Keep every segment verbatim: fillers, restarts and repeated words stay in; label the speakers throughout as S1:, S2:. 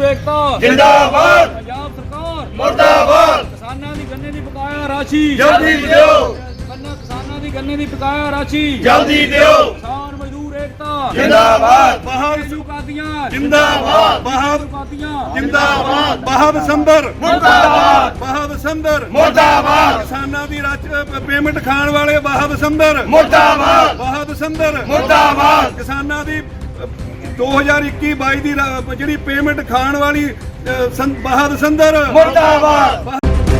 S1: मजदूर एकता
S2: जिंदाबाद,
S1: पंजाब सरकार
S2: मुर्दाबाद,
S1: किसानां दी गन्ने दी बकाया राशि
S2: जल्दी दियो,
S1: गन्ना किसानां दी गन्ने दी बकाया राशि
S2: जल्दी दियो,
S1: किसान मजदूर एकता
S2: जिंदाबाद,
S1: बहादुर कादियां
S2: जिंदाबाद,
S1: बहादुर कादियां
S2: जिंदाबाद,
S3: बहाव संबर
S2: मुर्दाबाद,
S3: बहाव संबर
S2: मुर्दाबाद,
S3: किसानां दी राज पेमेंट खाण वाले बहाव संबर
S2: मुर्दाबाद,
S3: बहाव संबर
S2: मुर्दाबाद,
S3: किसानां दी दो हज़ार इक्की बाई दी ਜਿਹੜੀ ਪੇਮੈਂਟ ਖਾਣ ਵਾਲੀ ਬਹਾਦ ਸੰਦਰ
S2: मुर्दाबाद।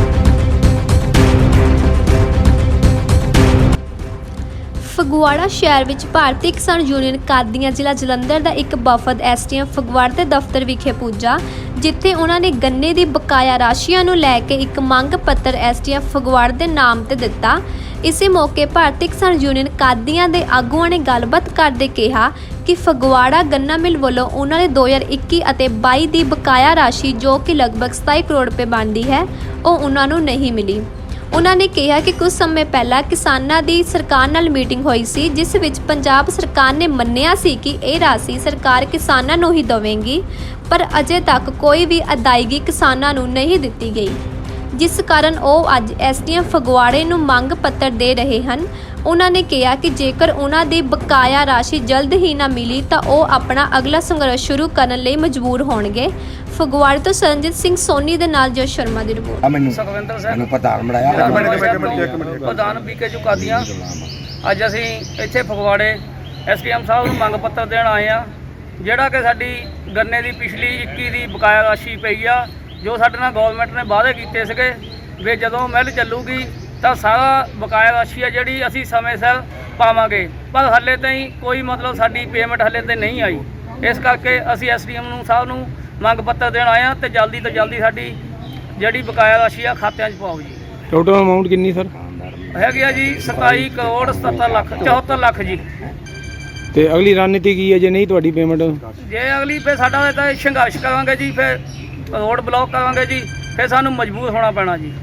S4: ਫਗਵਾੜਾ ਸ਼ਹਿਰ ਵਿੱਚ ਭਾਰਤੀ ਕਿਸਾਨ ਯੂਨੀਅਨ ਕਾਦੀਆਂ ਜ਼ਿਲ੍ਹਾ ਜਲੰਧਰ ਦਾ ਇੱਕ ਵਫਦ ਐਸਟੀਐਮ ਫਗਵਾੜਾ ਦੇ ਦਫ਼ਤਰ ਵਿਖੇ ਪੁੱਜਾ, ਜਿੱਥੇ ਉਹਨਾਂ ਨੇ ਗੰਨੇ ਦੀ ਬਕਾਇਆ ਰਾਸ਼ੀਆਂ ਨੂੰ ਲੈ ਕੇ ਇੱਕ ਮੰਗ ਪੱਤਰ ਐਸਟੀਐਮ ਫਗਵਾੜਾ ਦੇ ਨਾਮ ਤੇ ਦਿੱਤਾ। ਇਸੇ ਮੌਕੇ ਭਾਰਤੀ ਕਿਸਾਨ ਯੂਨੀਅਨ ਕਾਦੀਆਂ ਦੇ ਆਗੂਆਂ ਨੇ ਗੱਲਬਾਤ ਕਰਦੇ ਕਿਹਾ ਕਿ ਫਗਵਾੜਾ ਗੰਨਾ ਮਿਲ ਵੱਲੋਂ ਉਹਨਾਂ ਦੇ ਦੋ ਹਜ਼ਾਰ ਇੱਕੀ ਅਤੇ ਬਾਈ ਦੀ ਬਕਾਇਆ ਰਾਸ਼ੀ ਜੋ ਕਿ ਲਗਭਗ ਸਤਾਈ ਕਰੋੜ ਰੁਪਏ ਬਣਦੀ ਹੈ, ਉਹ ਉਹਨਾਂ ਨੂੰ ਨਹੀਂ ਮਿਲੀ। ਉਹਨਾਂ ਨੇ ਕਿਹਾ ਕਿ ਕੁਝ ਸਮੇਂ ਪਹਿਲਾਂ ਕਿਸਾਨਾਂ ਦੀ ਸਰਕਾਰ ਨਾਲ ਮੀਟਿੰਗ ਹੋਈ ਸੀ, ਜਿਸ ਵਿੱਚ ਪੰਜਾਬ ਸਰਕਾਰ ਨੇ ਮੰਨਿਆ ਸੀ ਕਿ ਇਹ ਰਾਸ਼ੀ ਸਰਕਾਰ ਕਿਸਾਨਾਂ ਨੂੰ ਹੀ ਦੇਵੇਗੀ, ਪਰ ਅਜੇ ਤੱਕ ਕੋਈ ਵੀ ਅਦਾਇਗੀ ਕਿਸਾਨਾਂ ਨੂੰ ਨਹੀਂ ਦਿੱਤੀ ਗਈ, ਜਿਸ ਕਾਰਨ ਉਹ ਅੱਜ ਐਸਡੀਐਮ ਫਗਵਾੜੇ ਨੂੰ ਮੰਗ ਪੱਤਰ ਦੇ ਰਹੇ ਹਨ। ਉਹਨਾਂ ਨੇ ਕਿਹਾ ਕਿ ਜੇਕਰ ਉਹਨਾਂ ਦੀ ਬਕਾਇਆ ਰਾਸ਼ੀ ਜਲਦ ਹੀ ਨਾ ਮਿਲੀ ਤਾਂ ਉਹ ਆਪਣਾ ਅਗਲਾ ਸੰਘਰਸ਼ ਸ਼ੁਰੂ ਕਰਨ ਲਈ ਮਜਬੂਰ ਹੋਣਗੇ। ਫਗਵਾੜੇ ਤੋਂ ਸਰਨਜੀਤ ਸਿੰਘ ਸੋਨੀ ਦੇ ਨਾਲ ਜੋ ਸ਼ਰਮਾ ਦੀ ਰਿਪੋਰਟ।
S2: ਮੈਨੂੰ
S5: ਸੁਖਵਿੰਦਰ ਸਿੰਘ
S2: ਮੈਨੂੰ ਪਤਾ ਬਣਾਇਆ
S5: ਪ੍ਰਧਾਨ ਬੀਕੇ ਚੁਕਾਦੀਆਂ। ਅੱਜ ਅਸੀਂ ਇੱਥੇ ਫਗਵਾੜੇ ਐਸਡੀਐਮ ਸਾਹਿਬ ਨੂੰ ਮੰਗ ਪੱਤਰ ਦੇਣ ਆਏ ਆ, ਜਿਹੜਾ ਕਿ ਸਾਡੀ ਗੰਨੇ ਦੀ ਪਿਛਲੀ ਇੱਕੀ ਦੀ ਬਕਾਇਆ ਰਾਸ਼ੀ ਪਈ ਆ, ਜੋ ਸਾਡੇ ਨਾਲ ਗਵਰਨਮੈਂਟ ਨੇ ਵਾਅਦੇ ਕੀਤੇ ਸੀਗੇ ਵੀ ਜਦੋਂ ਮਿਲ ਚੱਲੂਗੀ ਤਾਂ ਸਾਰਾ ਬਕਾਇਆ ਰਾਸ਼ੀ ਆ ਜਿਹੜੀ ਅਸੀਂ ਸਮੇਂ ਸਿਰ ਪਾਵਾਂਗੇ, ਪਰ ਹਾਲੇ ਤਾਈਂ ਕੋਈ ਮਤਲਬ ਸਾਡੀ ਪੇਮੈਂਟ ਹਾਲੇ ਤੇ ਨਹੀਂ ਆਈ। ਇਸ ਕਰਕੇ ਅਸੀਂ ਐਸਡੀਐਮ ਨੂੰ ਸਾਹਿਬ ਨੂੰ ਮੰਗ ਪੱਤਰ ਦੇਣ ਆਏ ਆ ਤੇ ਜਲਦੀ ਤੋਂ ਜਲਦੀ ਸਾਡੀ ਜਿਹੜੀ ਬਕਾਇਆ ਰਾਸ਼ੀ ਆ ਖਾਤਿਆਂ 'ਚ ਪਾਓ ਜੀ।
S3: ਟੋਟਲ ਅਮਾਉਂਟ ਕਿੰਨੀ ਸਰ
S5: ਹੈਗੀ ਆ ਜੀ ਸਤਾਈ ਕਰੋੜ ਸਤੱਤਰ ਲੱਖ ਚੌਹੱਤਰ ਲੱਖ ਜੀ।
S3: ਤੇ ਅਗਲੀ ਰਣਨੀਤੀ ਕੀ ਹੈ ਜੇ ਨਹੀਂ ਤੁਹਾਡੀ ਪੇਮੈਂਟ?
S5: ਜੇ ਅਗਲੀ ਫਿਰ ਸਾਡਾ ਤਾਂ ਸੰਘਰਸ਼ ਕਰਾਂਗੇ ਜੀ, ਫਿਰ ਰੋਡ ਬਲੌਕ ਕਰਾਂਗੇ ਜੀ, ਫਿਰ ਸਾਨੂੰ ਮਜਬੂਰ ਹੋਣਾ ਪੈਣਾ ਜੀ।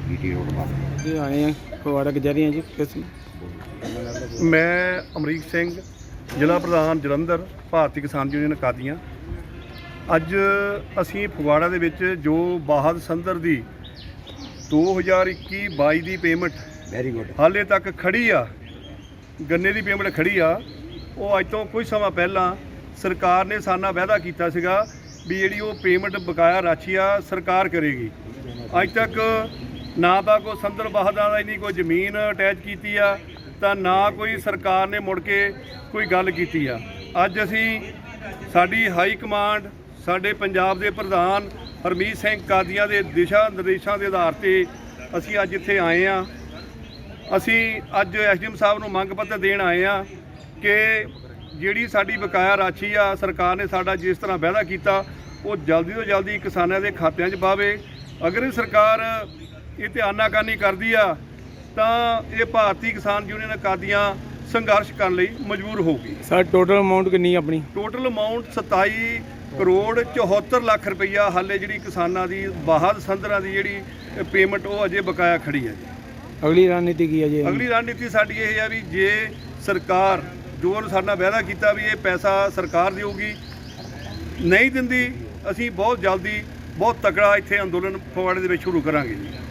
S3: ਆਏ ਆ ਫਗਵਾੜਾ ਕਚਹਿਰੀਆਂ ਜੀ। ਕਿਸ
S6: ਮੈਂ ਅਮਰੀਕ ਸਿੰਘ, ਜ਼ਿਲ੍ਹਾ ਪ੍ਰਧਾਨ ਜਲੰਧਰ, ਭਾਰਤੀ ਕਿਸਾਨ ਯੂਨੀਅਨ ਕਾਦੀਆਂ। ਅੱਜ ਅਸੀਂ ਫਗਵਾੜਾ ਦੇ ਵਿੱਚ ਜੋ ਬਾਹਦ ਸੰਦਰ ਦੀ ਦੋ ਹਜ਼ਾਰ ਇੱਕੀ ਬਾਈ ਦੀ ਪੇਮੈਂਟ
S2: ਵੈਰੀ ਗੁੱਡ
S6: ਹਾਲੇ ਤੱਕ ਖੜੀ ਆ, ਗੰਨੇ ਦੀ ਪੇਮੈਂਟ ਖੜੀ ਆ, ਉਹ ਅੱਜ ਤੋਂ ਕੁਝ ਸਮਾਂ ਪਹਿਲਾਂ ਸਰਕਾਰ ਨੇ ਸਾਨਾ ਵਾਅਦਾ ਕੀਤਾ ਸੀਗਾ ਵੀ ਜਿਹੜੀ ਉਹ ਪੇਮੈਂਟ ਬਕਾਇਆ ਰਾਸ਼ੀ ਆ ਸਰਕਾਰ ਕਰੇਗੀ। ਅੱਜ ਤੱਕ ਨਾ ਤਾਂ ਕੋਈ ਸੰਦਰ ਬਾਹਦਾਂ ਦਾ ਨਹੀਂ ਕੋਈ ਜ਼ਮੀਨ ਅਟੈਚ ਕੀਤੀ ਆ, ਤਾਂ ਨਾ ਕੋਈ ਸਰਕਾਰ ਨੇ ਮੁੜ ਕੇ ਕੋਈ ਗੱਲ ਕੀਤੀ ਆ। ਅੱਜ ਅਸੀਂ ਸਾਡੀ ਹਾਈ ਕਮਾਂਡ, ਸਾਡੇ ਪੰਜਾਬ ਦੇ ਪ੍ਰਧਾਨ ਹਰਮੀਤ ਸਿੰਘ ਕਾਦੀਆਂ ਦੇ ਦਿਸ਼ਾ ਨਿਰਦੇਸ਼ਾਂ ਦੇ ਆਧਾਰ 'ਤੇ ਅਸੀਂ ਅੱਜ ਇੱਥੇ ਆਏ ਆ। ਅਸੀਂ ਅੱਜ ਐਸਡੀਐਮ ਸਾਹਿਬ ਨੂੰ ਮੰਗ ਪੱਤਰ ਦੇਣ ਆਏ ਆ ਕਿ ਜਿਹੜੀ ਸਾਡੀ ਬਕਾਇਆ ਰਾਸ਼ੀ ਆ ਸਰਕਾਰ ਨੇ ਸਾਡਾ ਜਿਸ ਤਰ੍ਹਾਂ ਵਾਅਦਾ ਕੀਤਾ ਉਹ ਜਲਦੀ ਤੋਂ ਜਲਦੀ ਕਿਸਾਨਾਂ ਦੇ ਖਾਤਿਆਂ 'ਚ ਪਾਵੇ। ਅਗਰ ਇਹ ਸਰਕਾਰ ਇਹ ਤੇ ਆਨਾਕਾਨੀ ਕਰਦੀ ਆ ਤਾਂ ਇਹ ਭਾਰਤੀ ਕਿਸਾਨ ਯੂਨੀਅਨ ਕਾਦੀਆਂ ਸੰਘਰਸ਼ ਕਰਨ ਲਈ ਮਜਬੂਰ ਹੋਊਗੀ।
S3: ਸਰ ਟੋਟਲ ਅਮਾਉਂਟ ਕਿੰਨੀ ਆਪਣੀ?
S6: ਟੋਟਲ ਅਮਾਉਂਟ ਸਤਾਈ ਕਰੋੜ ਚੌਹੱਤਰ ਲੱਖ ਰੁਪਈਆ ਹਾਲੇ ਜਿਹੜੀ ਕਿਸਾਨਾਂ ਦੀ ਬਾਹਦ ਸੰਦਰਾਂ ਦੀ ਜਿਹੜੀ ਪੇਮੈਂਟ ਉਹ ਅਜੇ ਬਕਾਇਆ ਖੜੀ ਹੈ ਜੀ।
S3: ਅਗਲੀ ਰਣਨੀਤੀ ਕੀ ਹੈ ਜੀ?
S6: ਅਗਲੀ ਰਣਨੀਤੀ ਸਾਡੀ ਇਹ ਹੈ ਵੀ ਜੇ ਸਰਕਾਰ ਜੋ ਸਾਡਾ ਵਾਅਦਾ ਕੀਤਾ ਵੀ ਇਹ ਪੈਸਾ ਸਰਕਾਰ ਦੇਊਗੀ, ਨਹੀਂ ਦਿੰਦੀ, ਅਸੀਂ ਬਹੁਤ ਜਲਦੀ ਬਹੁਤ ਤਕੜਾ ਇੱਥੇ ਅੰਦੋਲਨ ਫਗਵਾੜੇ ਦੇ ਵਿੱਚ ਸ਼ੁਰੂ ਕਰਾਂਗੇ ਜੀ।